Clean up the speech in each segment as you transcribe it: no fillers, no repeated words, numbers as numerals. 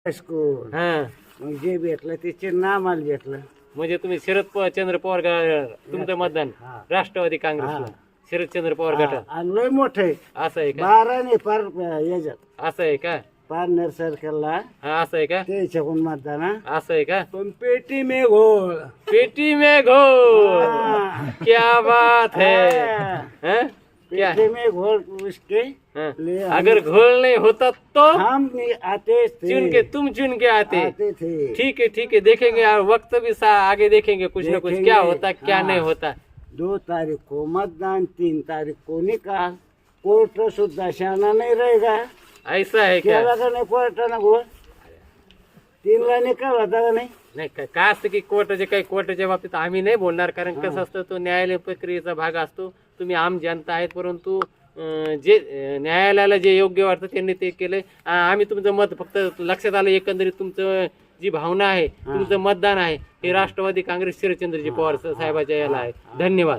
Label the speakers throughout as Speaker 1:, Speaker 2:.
Speaker 1: High school
Speaker 2: हा
Speaker 1: मग जे भेटलं ते चिन्ह आम्हाला भेटलं.
Speaker 2: म्हणजे तुम्ही चंद्र पवार तुमचं मतदान
Speaker 1: हा.
Speaker 2: राष्ट्रवादी काँग्रेसला
Speaker 1: हा.
Speaker 2: शरदचंद्र पवार
Speaker 1: हा,
Speaker 2: गटात
Speaker 1: आणि लय मोठं आहे.
Speaker 2: असं आहे का
Speaker 1: 12 नाही पार याच्यात
Speaker 2: असं आहे का
Speaker 1: पारनेर सर्कलला
Speaker 2: हा असं आहे का
Speaker 1: त्याच्याकडून मतदान हा.
Speaker 2: असं आहे का
Speaker 1: पण पेटी में घोळ.
Speaker 2: पेटी में घोल
Speaker 1: हाँ।
Speaker 2: क्या बात है
Speaker 1: हाँ।
Speaker 2: हैं? क्या
Speaker 1: पेटी में घोल उसके
Speaker 2: हाँ?
Speaker 1: ले
Speaker 2: अगर घोल नहीं होता तो
Speaker 1: हम नहीं आते थे.
Speaker 2: तुम चुन के आते
Speaker 1: थे.
Speaker 2: ठीक है देखेंगे और वक्त भी आगे देखेंगे कुछ ना कुछ
Speaker 1: देखेंगे।
Speaker 2: क्या होता क्या
Speaker 1: हाँ।
Speaker 2: नहीं होता
Speaker 1: 2 तारीख को मतदान, 3 तारीख को निकाल. कोर्ट सुद्धा शाना नहीं रहेगा.
Speaker 2: ऐसा है क्या
Speaker 1: केला का नाही कोर्टानं घोळ? 3 ला निकाल होता का नाही?
Speaker 2: नाही काय असतं की कोर्टाच्या बाबतीत आम्ही नाही बोलणार कारण कसं असतं तो न्यायालय प्रक्रियेचा भाग असतो. तुम्ही आम जनता आहेत परंतु जे न्यायालयाला जे योग्य वाटतं त्यांनी ते केलंय. आम्ही तुमचं मत फक्त लक्षात आलं एकंदरीत तुमचं जी भावना आहे तुमचं मतदान आहे हे राष्ट्रवादी काँग्रेस शरदचंद्रजी पवार साहेबाच्या याला आहे. धन्यवाद.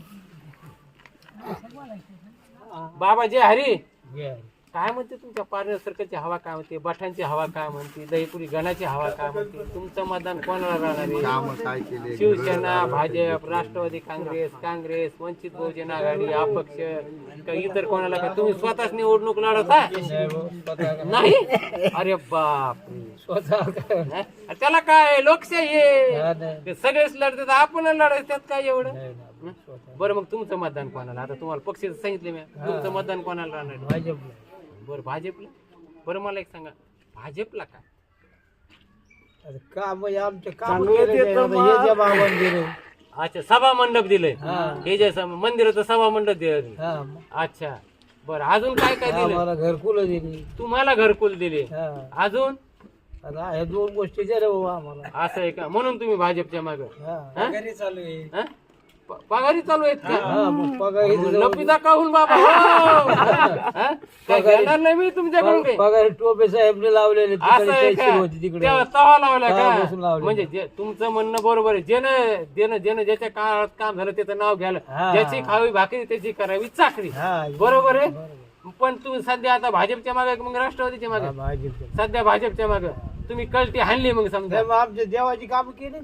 Speaker 2: बाबा जय हरी. काय म्हणते तुमच्या पारनेर सर्कलची हवा काय म्हणते बठांची हवा काय म्हणते दहीपुरी गणाची हवा काय म्हणते तुमचं मतदान कोणाला राहणार आहे शिवसेना भाजप राष्ट्रवादी काँग्रेस वंचित बहुजन आघाडी अपक्ष का इतर कोणाला का तुम्ही स्वतःच निवडणूक लढवता नाही अरे बाप स्वतः त्याला काय लोकशाही आहे सगळेच लढतात आपण लढायचं त्यात काय एवढं. बरं मग तुमचं मतदान कोणाला आता तुम्हाला पक्ष सांगितले मी तुमचं मतदान कोणाला राहणार आहे? बरं भाजपला. बरं मला एक सांगा भाजपला काय
Speaker 3: काम आमचे काम
Speaker 1: चांगलं ते तर मग-
Speaker 2: अच्छा सभा मंडप दिलंय हे जे मंदिराचं सभा मंडप दिलं अच्छा बरं अजून काय काय दिलं
Speaker 3: आम्हाला घरकुल दिली.
Speaker 2: तुम्हाला घरकुल दिले अजून
Speaker 3: आता ह्या 2 गोष्टी रे बाबा आम्हाला.
Speaker 2: असं आहे का म्हणून तुम्ही भाजपच्या माग
Speaker 3: चालू आहे.
Speaker 2: पगारी चालू आहेत का
Speaker 3: मग पगारी
Speaker 2: लपिता काहून बाबा हो? हा? काय घेणार नाही मी तुमच्याकडून काही?
Speaker 3: पगारी टोपे साहेबने लावलेले
Speaker 2: असं आहे का?
Speaker 3: होती तिकडे.
Speaker 2: तेव्हा तवा लावला
Speaker 3: हा, बसून
Speaker 2: का
Speaker 3: लावले.
Speaker 2: म्हणजे तुमचं म्हणणं बरोबर आहे ज्यानं ज्याच्या काळात काम झालं त्याचं नाव घ्यायला
Speaker 3: हा.
Speaker 2: ज्याची खावी भाकरी त्याची करावी चाकरी
Speaker 3: हा,
Speaker 2: बरोबर आहे पण तुम्ही सध्या आता भाजपच्या मागे मग राष्ट्रवादीच्या मागे
Speaker 3: भाजपचे.
Speaker 2: सध्या भाजपच्या मागे तुम्ही कळती हाणली मग समजा
Speaker 3: मग आमच्या देवाची काम केली.